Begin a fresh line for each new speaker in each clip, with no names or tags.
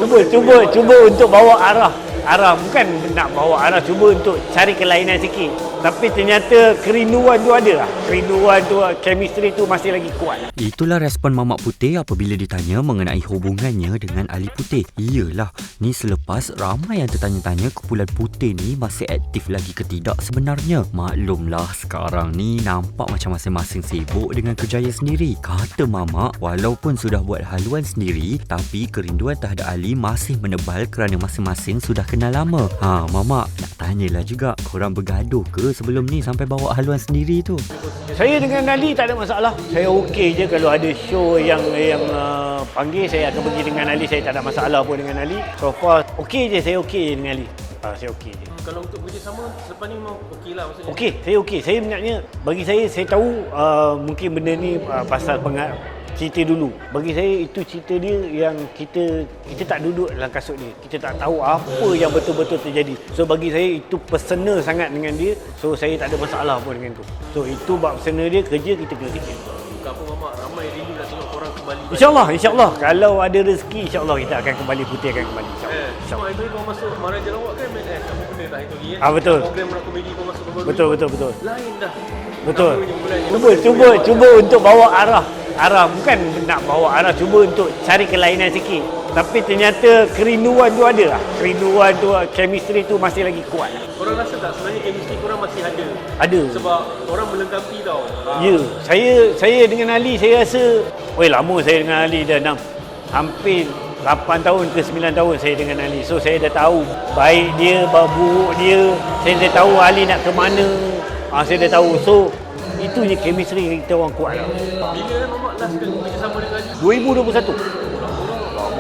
cuba untuk bawa arah bukan nak bawa arah, cuba untuk cari kelainan sikit. Tapi ternyata kerinduan tu ada lah. Kerinduan tu, chemistry tu masih lagi kuat.
Itulah respon Mamat Putih apabila ditanya mengenai hubungannya dengan Ali Putih. Iyalah, ni selepas ramai yang tertanya-tanya kumpulan Putih ni masih aktif lagi ke tidak sebenarnya. Maklumlah sekarang ni nampak macam masing-masing sibuk dengan kerjaya sendiri. Kata Mamat, walaupun sudah buat haluan sendiri, tapi kerinduan terhadap Ali masih menebal kerana masing-masing sudah kenal lama. Mamat, nak tanyalah juga, korang bergaduh ke sebelum ni sampai bawa haluan sendiri tu?
Saya dengan Ali tak ada masalah. Saya okey je kalau ada show yang panggil, saya akan pergi dengan Ali. Saya tak ada masalah pun dengan Ali. So far okey je, saya okey dengan Ali. Saya okey je.
Kalau untuk bekerjasama selepas ni memang okey lah maksudnya?
Okey, saya okey. Saya sebenarnya, bagi saya tahu mungkin benda ni pasal cerita dulu. Bagi saya itu cerita dia yang kita tak duduk dalam kasut dia. Kita tak tahu apa yang betul-betul terjadi. So bagi saya itu personal sangat dengan dia. So saya tak ada masalah pun dengan tu. So itu bab personal dia, kerja kita kena kerja.
Bukan apa Mamat, ramai rindu nak tengok korang kembali.
InsyaAllah. Kalau ada rezeki, insyaAllah kita akan kembali, Putih akan kembali. InsyaAllah.
Itu kau masuk Maharaja Lawak kan, apa benda tak itu lagi
betul.
Program nak komedi kau masuk baru.
Betul.
Lain dah.
Betul. Cuba untuk bawa arah bukan nak bawa arah, cuba untuk cari kelainan sikit. Tapi ternyata kerinduan tu ada lah. Kerinduan tu, chemistry tu masih lagi kuat.
Korang rasa tak sebenarnya chemistry korang masih ada?
Ada.
Sebab orang melengkapi tau.
Ya, saya dengan Ali, saya rasa lama saya dengan Ali dah hampir 8 tahun ke 9 tahun saya dengan Ali. So saya dah tahu baik dia, buruk dia. Saya dah tahu Ali nak ke mana. Saya dah tahu. So itu je chemistry kita orang kuat lah.
Bila Mamat last kali bekerjasama dengan Ali?
2021.
Lama.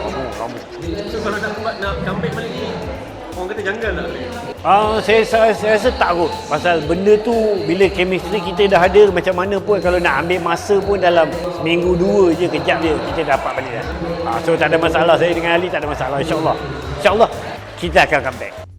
So kalau nak comeback balik ni, orang kata janggal tak?
Saya rasa tak kot. Pasal benda tu bila chemistry kita dah ada, macam mana pun kalau nak ambil masa pun dalam seminggu 2 je, kejap je kita dapat balik dah. So tak ada masalah, saya dengan Ali tak ada masalah. InsyaAllah kita akan comeback.